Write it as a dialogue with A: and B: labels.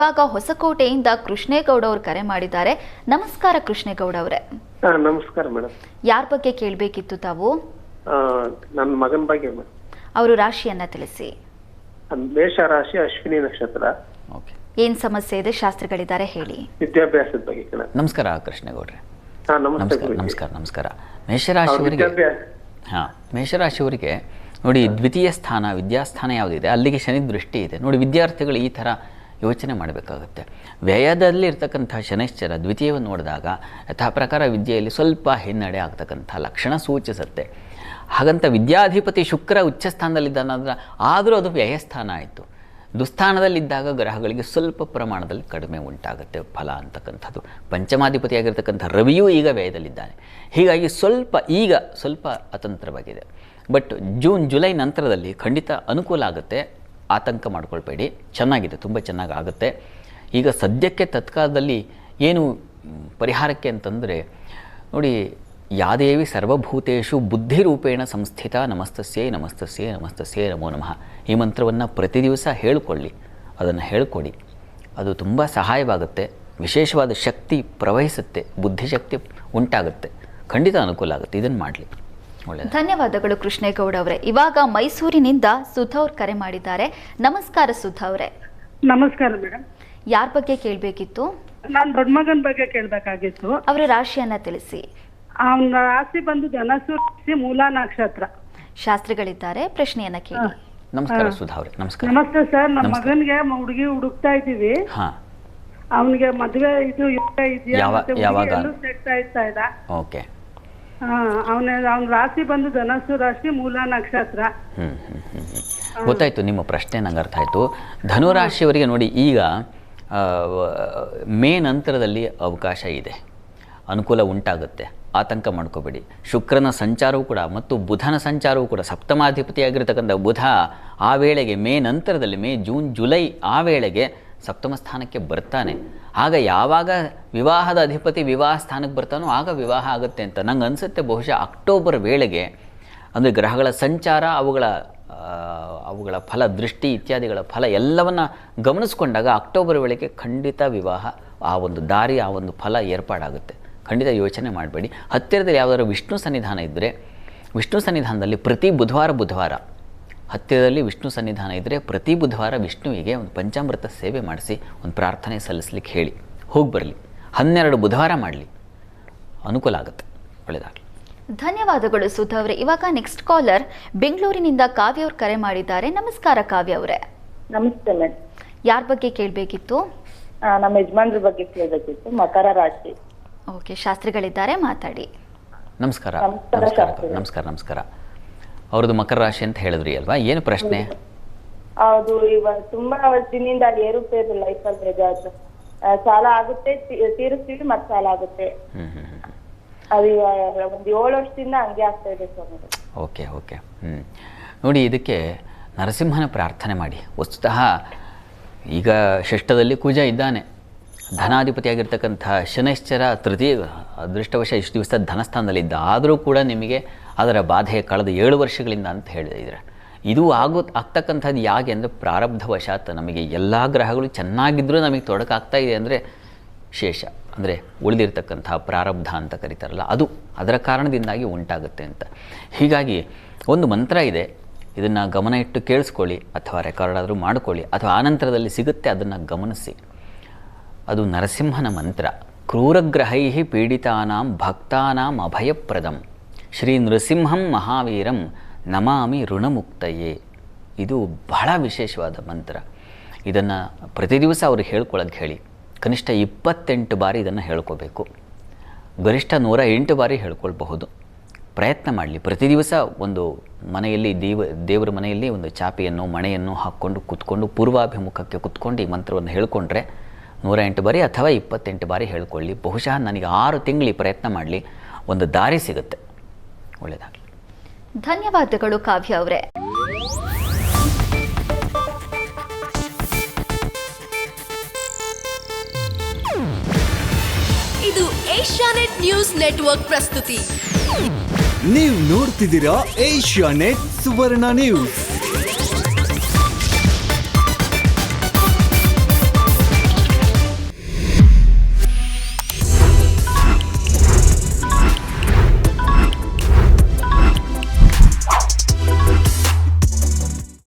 A: ಇವಾಗ ಹೊಸಕೋಟೆಯಿಂದ ಕೃಷ್ಣೇಗೌಡ ಅವರು ಕರೆ ಮಾಡಿದ್ದಾರೆ. ನಮಸ್ಕಾರ ಕೃಷ್ಣೇಗೌಡ ಅವರೇ.
B: ನಮಸ್ಕಾರ ಮೇಡಮ್.
A: ಯಾರ ಬಗ್ಗೆ ಕೇಳಬೇಕಿತ್ತು ತಾವು?
B: ನನ್ನ ಮಗನ ಬಗ್ಗೆ ಮೇಡಮ್.
A: ಅವರು ರಾಶಿಯನ್ನ ತಿಳಿಸಿ.
B: ಮೇಷ ರಾಶಿ, ಅಶ್ವಿನಿ ನಕ್ಷತ್ರ.
C: ಓಕೆ.
A: ಏನ್ ಸಮಸ್ಯೆ ಇದೆ? ಶಾಸ್ತ್ರಿಗಳಿದ್ದಾರೆ, ಹೇಳಿ.
B: ವಿದ್ಯಾಭ್ಯಾಸದ ಬಗ್ಗೆ ಕೇಳ.
C: ನಮಸ್ಕಾರ ಕೃಷ್ಣೇಗೌಡ್ರೆ. ನಮಸ್ಕಾರ. ಮೇಷರಾಶಿಯವರಿಗೆ ನೋಡಿ, ದ್ವಿತೀಯ ಸ್ಥಾನ ವಿದ್ಯಾಸ್ಥಾನ ಯಾವುದಿದೆ ಅಲ್ಲಿಗೆ ಶನಿ ದೃಷ್ಟಿ ಇದೆ. ನೋಡಿ, ವಿದ್ಯಾರ್ಥಿಗಳು ಈ ಥರ ಯೋಚನೆ ಮಾಡಬೇಕಾಗುತ್ತೆ. ವ್ಯಯದಲ್ಲಿ ಇರ್ತಕ್ಕಂಥ ಶನೈಶ್ಚರ ದ್ವಿತೀಯವನ್ನು ನೋಡಿದಾಗ ಯಥಾ ಪ್ರಕಾರ ವಿದ್ಯೆಯಲ್ಲಿ ಸ್ವಲ್ಪ ಹಿನ್ನಡೆ ಆಗ್ತಕ್ಕಂಥ ಲಕ್ಷಣ ಸೂಚಿಸುತ್ತೆ. ಹಾಗಂತ ವಿದ್ಯಾಧಿಪತಿ ಶುಕ್ರ ಉಚ್ಚ ಸ್ಥಾನದಲ್ಲಿದ್ದಾನಂದ್ರೆ ಆದರೂ ಅದು ವ್ಯಯಸ್ಥಾನ ಆಯಿತು. ದುಸ್ಥಾನದಲ್ಲಿದ್ದಾಗ ಗ್ರಹಗಳಿಗೆ ಸ್ವಲ್ಪ ಪ್ರಮಾಣದಲ್ಲಿ ಕಡಿಮೆ ಉಂಟಾಗುತ್ತೆ ಫಲ ಅಂತಕ್ಕಂಥದ್ದು. ಪಂಚಮಾಧಿಪತಿಯಾಗಿರ್ತಕ್ಕಂಥ ರವಿಯೂ ಈಗ ವ್ಯಯದಲ್ಲಿದ್ದಾನೆ. ಹೀಗಾಗಿ ಸ್ವಲ್ಪ ಅತಂತ್ರವಾಗಿದೆ. ಬಟ್ ಜೂನ್ ಜುಲೈ ನಂತರದಲ್ಲಿ ಖಂಡಿತ ಅನುಕೂಲ ಆಗುತ್ತೆ. ಆತಂಕ ಮಾಡ್ಕೊಳ್ಬೇಡಿ, ಚೆನ್ನಾಗಿದೆ, ತುಂಬ ಚೆನ್ನಾಗಿ ಆಗುತ್ತೆ. ಈಗ ಸದ್ಯಕ್ಕೆ ತತ್ಕಾಲದಲ್ಲಿ ಏನು ಪರಿಹಾರಕ್ಕೆ ಅಂತಂದರೆ ನೋಡಿ, ಯಾದೇವಿ ಸರ್ವಭೂತೇಷು ಬುದ್ಧಿರೂಪೇಣ ಸಂಸ್ಥಿತ ನಮಸ್ತಸ್ಯೈ ನಮಸ್ತಸ್ಯೈ ನಮಸ್ತಸ್ಯೈ ನಮೋ ನಮಃ. ಈ ಮಂತ್ರವನ್ನು ಪ್ರತಿ ದಿವಸ ಅದನ್ನು ಹೇಳ್ಕೊಡಿ. ಅದು ತುಂಬ ಸಹಾಯವಾಗುತ್ತೆ. ವಿಶೇಷವಾದ ಶಕ್ತಿ ಪ್ರವಹಿಸುತ್ತೆ, ಬುದ್ಧಿಶಕ್ತಿ ಉಂಟಾಗುತ್ತೆ. ಖಂಡಿತ ಅನುಕೂಲ ಆಗುತ್ತೆ. ಇದನ್ನು ಮಾಡಲಿ. ಒಳ್ಳೆಯದು.
A: ಧನ್ಯವಾದಗಳು ಕೃಷ್ಣೇಗೌಡ ಅವರೇ. ಇವಾಗ ಮೈಸೂರಿನಿಂದ ಸುಧಾ ಅವ್ರು ಕರೆ ಮಾಡಿದ್ದಾರೆ. ನಮಸ್ಕಾರ ಸುಧಾ ಅವರೇ.
D: ನಮಸ್ಕಾರ ಮೇಡಮ್.
A: ಯಾರ ಬಗ್ಗೆ ಕೇಳಬೇಕಿತ್ತು?
D: ನಾನು ದೊಡ್ಡ ಮಗನ ಬಗ್ಗೆ ಕೇಳಬೇಕಾಗಿತ್ತು.
A: ಅವರ ರಾಶಿಯನ್ನ ತಿಳಿಸಿ.
D: ಅವನ ರಾಶಿ ಬಂದು ಧನಸ್ಸು ರಾಶಿ, ಮೂಲ ನಕ್ಷತ್ರ.
A: ಶಾಸ್ತ್ರಿಗಳಿದ್ದಾರೆ, ಪ್ರಶ್ನೆಯನ್ನ ಕೇಳಿ.
C: ನಮಸ್ಕಾರ ಸುಧಾ ಅವರೇ. ನಮಸ್ಕಾರ.
D: ನಮಸ್ತೆ ಸರ್. ನಮ್ಮ ಮಗನಿಗೆ ಹುಡುಗಿ ಹುಡುಕ್ತಾ ಇದ್ದೀವಿ. ಅವನಿಗೆ ಮದುವೆ ಇದು
C: ಯಾವಾಗ
D: ಸೆಟ್ ಆಯ್ತಾ ಇಲ್ಲ.
C: ಓಕೆ.
D: ಅವನ ರಾಶಿ ಬಂದು ಧನಸ್ಸು ರಾಶಿ, ಮೂಲ ನಕ್ಷತ್ರ.
C: ಗೊತ್ತಾಯ್ತು ನಿಮ್ಮ ಪ್ರಶ್ನೆ, ನಂಗೆ ಅರ್ಥ ಆಯ್ತು. ಧನುರಾಶಿಯವರಿಗೆ ನೋಡಿ, ಈಗ ಮೇ ನಂತರದಲ್ಲಿ ಅವಕಾಶ ಇದೆ, ಅನುಕೂಲ ಉಂಟಾಗುತ್ತೆ. ಆತಂಕ ಮಾಡ್ಕೋಬೇಡಿ. ಶುಕ್ರನ ಸಂಚಾರವೂ ಕೂಡ ಮತ್ತು ಬುಧನ ಸಂಚಾರವೂ ಕೂಡ, ಸಪ್ತಮಾಧಿಪತಿಯಾಗಿರ್ತಕ್ಕಂಥ ಬುಧ ಆ ವೇಳೆಗೆ ಮೇ ನಂತರದಲ್ಲಿ, ಮೇ ಜೂನ್ ಜುಲೈ ಆ ವೇಳೆಗೆ ಸಪ್ತಮ ಸ್ಥಾನಕ್ಕೆ ಬರ್ತಾನೆ. ಆಗ ಯಾವಾಗ ವಿವಾಹದ ಅಧಿಪತಿ ವಿವಾಹ ಸ್ಥಾನಕ್ಕೆ ಬರ್ತಾನೋ ಆಗ ವಿವಾಹ ಆಗುತ್ತೆ ಅಂತ ನಂಗೆ ಅನಿಸುತ್ತೆ. ಬಹುಶಃ ಅಕ್ಟೋಬರ್ ವೇಳೆಗೆ, ಅಂದರೆ ಗ್ರಹಗಳ ಸಂಚಾರ, ಅವುಗಳ ಫಲ, ದೃಷ್ಟಿ ಇತ್ಯಾದಿಗಳ ಫಲ ಎಲ್ಲವನ್ನು ಗಮನಿಸ್ಕೊಂಡಾಗ ಅಕ್ಟೋಬರ್ ವೇಳೆಗೆ ಖಂಡಿತ ವಿವಾಹ, ಆ ಒಂದು ದಾರಿ, ಆ ಒಂದು ಫಲ ಏರ್ಪಾಡಾಗುತ್ತೆ. ಖಂಡಿತ ಯೋಚನೆ ಮಾಡಬೇಡಿ. ಹತ್ತಿರದಲ್ಲಿ ಯಾವುದಾದ್ರು ವಿಷ್ಣು ಸನ್ನಿಧಾನ ಇದ್ದರೆ, ವಿಷ್ಣು ಸನ್ನಿಧಾನದಲ್ಲಿ ಪ್ರತಿ ಬುಧವಾರ ಹತ್ತಿರದಲ್ಲಿ ವಿಷ್ಣು ಸನ್ನಿಧಾನ ಇದ್ದರೆ ಪ್ರತಿ ಬುಧವಾರ ವಿಷ್ಣುವಿಗೆ ಒಂದು ಪಂಚಾಮೃತ ಸೇವೆ ಮಾಡಿಸಿ ಒಂದು ಪ್ರಾರ್ಥನೆ ಸಲ್ಲಿಸಲಿಕ್ಕೆ ಹೇಳಿ, ಹೋಗಿ ಬರಲಿ. 12 ಬುಧವಾರ ಮಾಡಲಿ, ಅನುಕೂಲ ಆಗುತ್ತೆ. ಒಳ್ಳೆಯದಾಗಲಿ.
A: ಧನ್ಯವಾದಗಳು ಸುಧಾ ಅವರೇ. ಇವಾಗ ನೆಕ್ಸ್ಟ್ ಕಾಲರ್ ಬೆಂಗಳೂರಿನಿಂದ ಕಾವ್ಯ ಅವ್ರು ಕರೆ ಮಾಡಿದ್ದಾರೆ. ನಮಸ್ಕಾರ ಕಾವ್ಯ ಅವರೇ.
E: ನಮಸ್ತೆ ಮೇಡಮ್.
A: ಯಾರ ಬಗ್ಗೆ ಕೇಳಬೇಕಿತ್ತು?
E: ನಮ್ಮ ಯಜಮಾನ್ರ ಬಗ್ಗೆ ಕೇಳಬೇಕಿತ್ತು. ಮಕರ ರಾಶಿ.
A: ಓಕೆ, ಶಾಸ್ತ್ರಿಗಳಿದ್ದಾರೆ, ಮಾತಾಡಿ.
C: ನಮಸ್ಕಾರ. ನಮಸ್ಕಾರ. ಅವ್ರದ್ದು ಮಕರ ರಾಶಿ ಅಂತ ಹೇಳಿದ್ರಿ ಅಲ್ವಾ? ಏನು ಪ್ರಶ್ನೆ?
E: ಹೌದು, ಇವಾಗ ತುಂಬಾ ವರ್ಷದಿಂದ ಏರುಪೇರು ಲೈಫಲ್ಲಿ ಸಾಲ ಆಗುತ್ತೆ, ತೀರಿಸ್ತೀವಿ, ಮತ್ತೆ ಸಾಲ ಆಗುತ್ತೆ. ಅದು ಒಂದು 7 ವರ್ಷದಿಂದ ಹಂಗೆ ಆಗ್ತಾ ಇದೆ ಸರ್.
C: ಓಕೆ. ನೋಡಿ, ಇದಕ್ಕೆ ನರಸಿಂಹನ ಪ್ರಾರ್ಥನೆ ಮಾಡಿ. ವಸ್ತುತಃ ಈಗ ಷಷ್ಠದಲ್ಲಿ ಕುಜ ಇದ್ದಾನೆ. ಧನಾಧಿಪತಿಯಾಗಿರ್ತಕ್ಕಂಥ ಶನೈಶ್ಚರ ತೃತೀಯ ಅದೃಷ್ಟವಶ ಇಷ್ಟು ದಿವಸ ಧನಸ್ಥಾನದಲ್ಲಿದ್ದ. ಆದರೂ ಕೂಡ ನಿಮಗೆ ಅದರ ಬಾಧೆ ಕಳೆದ 7 ವರ್ಷಗಳಿಂದ ಅಂತ ಹೇಳಿದರೆ, ಇದು ಆಗ್ತಕ್ಕಂಥದ್ದು ಯಾಕೆ ಅಂದರೆ ಪ್ರಾರಬ್ಧವಶಾತ್. ನಮಗೆ ಎಲ್ಲ ಗ್ರಹಗಳು ಚೆನ್ನಾಗಿದ್ದರೂ ನಮಗೆ ತೊಡಕಾಗ್ತಾ ಇದೆ ಅಂದರೆ ಶೇಷ, ಅಂದರೆ ಉಳಿದಿರ್ತಕ್ಕಂಥ ಪ್ರಾರಬ್ಧ ಅಂತ ಕರೀತಾರಲ್ಲ, ಅದರ ಕಾರಣದಿಂದಾಗಿ ಉಂಟಾಗುತ್ತೆ ಅಂತ. ಹೀಗಾಗಿ ಒಂದು ಮಂತ್ರ ಇದೆ, ಇದನ್ನು ಗಮನ ಇಟ್ಟು ಕೇಳಿಸ್ಕೊಳ್ಳಿ, ಅಥವಾ ರೆಕಾರ್ಡ್ ಆದರೂ ಮಾಡಿಕೊಳ್ಳಿ, ಅಥವಾ ಆನಂತರದಲ್ಲಿ ಸಿಗುತ್ತೆ, ಅದನ್ನು ಗಮನಿಸಿ. ಅದು ನರಸಿಂಹನ ಮಂತ್ರ. ಕ್ರೂರಗ್ರಹೈ ಪೀಡಿತಾನಾಂ ಭಕ್ತಾನಾಂ ಅಭಯಪ್ರದಂ ಶ್ರೀ ನೃಸಿಂಹಂ ಮಹಾವೀರಂ ನಮಾಮಿ ಋಣಮುಕ್ತಯೇ. ಇದು ಬಹಳ ವಿಶೇಷವಾದ ಮಂತ್ರ. ಇದನ್ನು ಪ್ರತಿ ದಿವಸ ಅವ್ರಿಗೆ ಹೇಳ್ಕೊಳ್ಳೋದು ಹೇಳಿ. ಕನಿಷ್ಠ 28 ಬಾರಿ ಇದನ್ನು ಹೇಳ್ಕೋಬೇಕು. ಗರಿಷ್ಠ 108 ಬಾರಿ ಹೇಳ್ಕೊಳ್ಬಹುದು. ಪ್ರಯತ್ನ ಮಾಡಲಿ. ಪ್ರತಿ ದಿವಸ ಒಂದು ಮನೆಯಲ್ಲಿ, ದೇವರ ಮನೆಯಲ್ಲಿ ಒಂದು ಚಾಪೆಯನ್ನು, ಮಣೆಯನ್ನು ಹಾಕ್ಕೊಂಡು ಕೂತ್ಕೊಂಡು ಪೂರ್ವಾಭಿಮುಖಕ್ಕೆ ಕೂತ್ಕೊಂಡು ಈ ಮಂತ್ರವನ್ನು ಹೇಳ್ಕೊಂಡ್ರೆ 108 ಬಾರಿ ಅಥವಾ 28 ಬಾರಿ ಹೇಳ್ಕೊಳ್ಳಿ. ಬಹುಶಃ ನನಗೆ 6 ತಿಂಗಳು ಪ್ರಯತ್ನ ಮಾಡಲಿ, ಒಂದು ದಾರಿ ಸಿಗುತ್ತೆ. ಒಳ್ಳೆಯದಾಗಲಿ.
A: ಧನ್ಯವಾದಗಳು ಕಾವ್ಯ ಅವರೇ.
F: ಇದು ಏಷ್ಯಾನೆಟ್ ನ್ಯೂಸ್ ನೆಟ್ವರ್ಕ್ ಪ್ರಸ್ತುತಿ.
G: ನೀವು ನೋಡ್ತಿದ್ದೀರಾ ಏಷ್ಯಾನೆಟ್ ಸುವರ್ಣ ನ್ಯೂಸ್.